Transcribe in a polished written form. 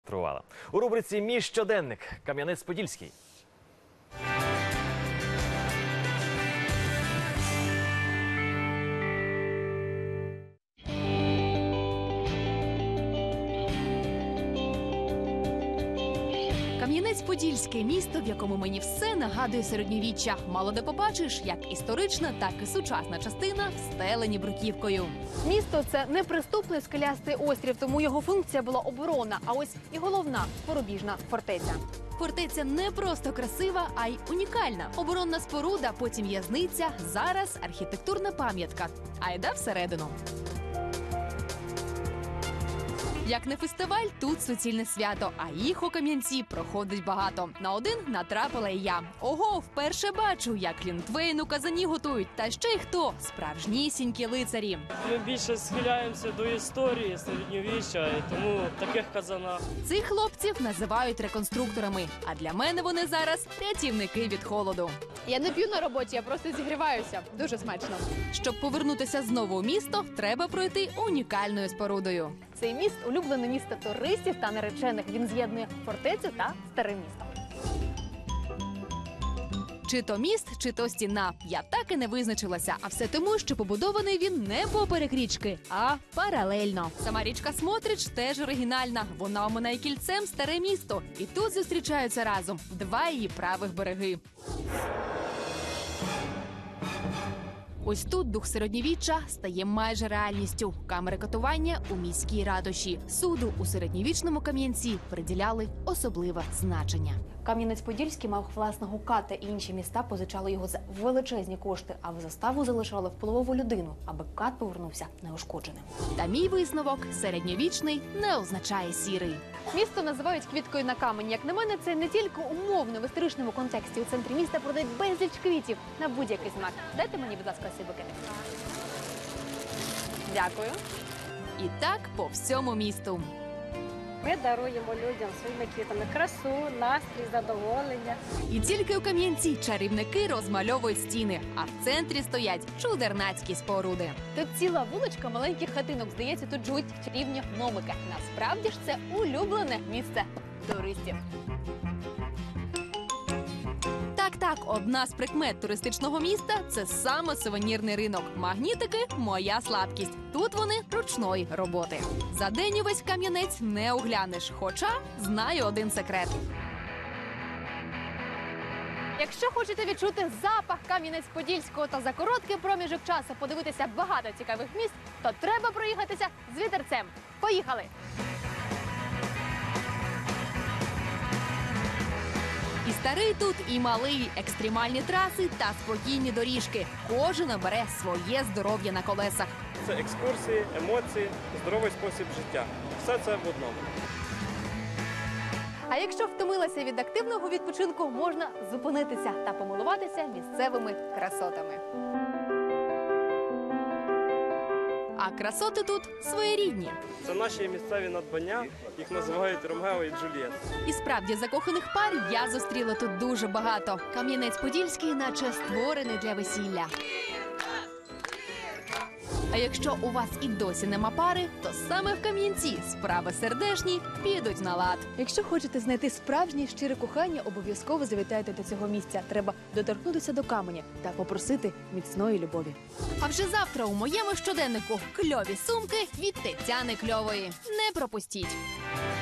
Тривала. У рубриці «Мій щоденник» Кам'янець-Подільський. Кам'янець-Подільське – місто, в якому мені все нагадує середньовіччя. Мало де побачиш, як історична, так і сучасна частина встелені бруківкою. Місто – це неприступний скелястий острів, тому його функція була оборонна. А ось і головна – порубіжна фортеця. Фортеця не просто красива, а й унікальна. Оборонна споруда, потім в'язниця, зараз архітектурна пам'ятка. Айда всередину. Як не фестиваль, тут суцільне свято, а їх у Кам'янці проходить багато. На один натрапила і я. Ого, вперше бачу, як глінтвейн у казані готують. Та ще й хто? Справжнісінькі лицарі. Ми більше схиляємося до історії середньовіччя, і тому в таких казанах. Цих хлопців називають реконструкторами, а для мене вони зараз рятівники від холоду. Я не п'ю на роботі, я просто зігріваюся. Дуже смачно. Щоб повернутися знову у місто, треба пройти унікальною спорудою. Цей міст – улюблене місто туристів та наречених. Він з'єднує фортецю та старе місто. Чи то міст, чи то стіна. Я так і не визначилася. А все тому, що побудований він не поперек річки, а паралельно. Сама річка Смотрич теж оригінальна. Вона оминає кільцем старе місто. І тут зустрічаються разом два її правих береги. Ось тут дух середньовіччя стає майже реальністю. Камери катування у міській ратуші. Суду у середньовічному Кам'янці приділяли особливе значення. Кам'янець-Подільський мав власного ката, і інші міста позичали його за величезні кошти, а в заставу залишали впливову людину, аби кат повернувся неушкодженим. Та мій висновок – середньовічний не означає сірий. Місто називають квіткою на камені. Як на мене, це не тільки умовно в історичному контексті. У центрі міста продають безліч квітів на будь-який смак. Дайте мені, будь ласка, ці букети. Дякую. І так по всьому місту. Ми даруємо людям своїми квітами красу, настрій, задоволення. І тільки у Кам'янці чарівники розмальовують стіни, а в центрі стоять чудернацькі споруди. Тут ціла вуличка маленьких хатинок. Здається, тут живуть чарівні гномики. Насправді ж це улюблене місце туристів. Так, одна з прикмет туристичного міста – це саме сувенірний ринок. Магнітики – моя слабкість. Тут вони ручної роботи. За день увесь Кам'янець не оглянеш, хоча знаю один секрет. Якщо хочете відчути запах Кам'янець-Подільського та за короткий проміжок часу подивитися багато цікавих місць, то треба проїхатися з вітерцем. Поїхали! І старий тут, і малий, екстремальні траси та спокійні доріжки. Кожен обере своє здоров'я на колесах. Це екскурсії, емоції, здоровий спосіб життя. Все це в одному. А якщо втомилася від активного відпочинку, можна зупинитися та помилуватися місцевими красотами. А красоти тут своєрідні. Це наші місцеві надбання, їх називають Ромео і Джульєтта. І справді закоханих пар я зустріла тут дуже багато. Кам'янець-Подільський наче створений для весілля. А якщо у вас і досі нема пари, то саме в Кам'янці справи сердешні підуть на лад. Якщо хочете знайти справжнє щире кохання, обов'язково завітайте до цього місця. Треба доторкнутися до каменя та попросити міцної любові. А вже завтра у моєму щоденнику кльові сумки від Тетяни Кльової. Не пропустіть!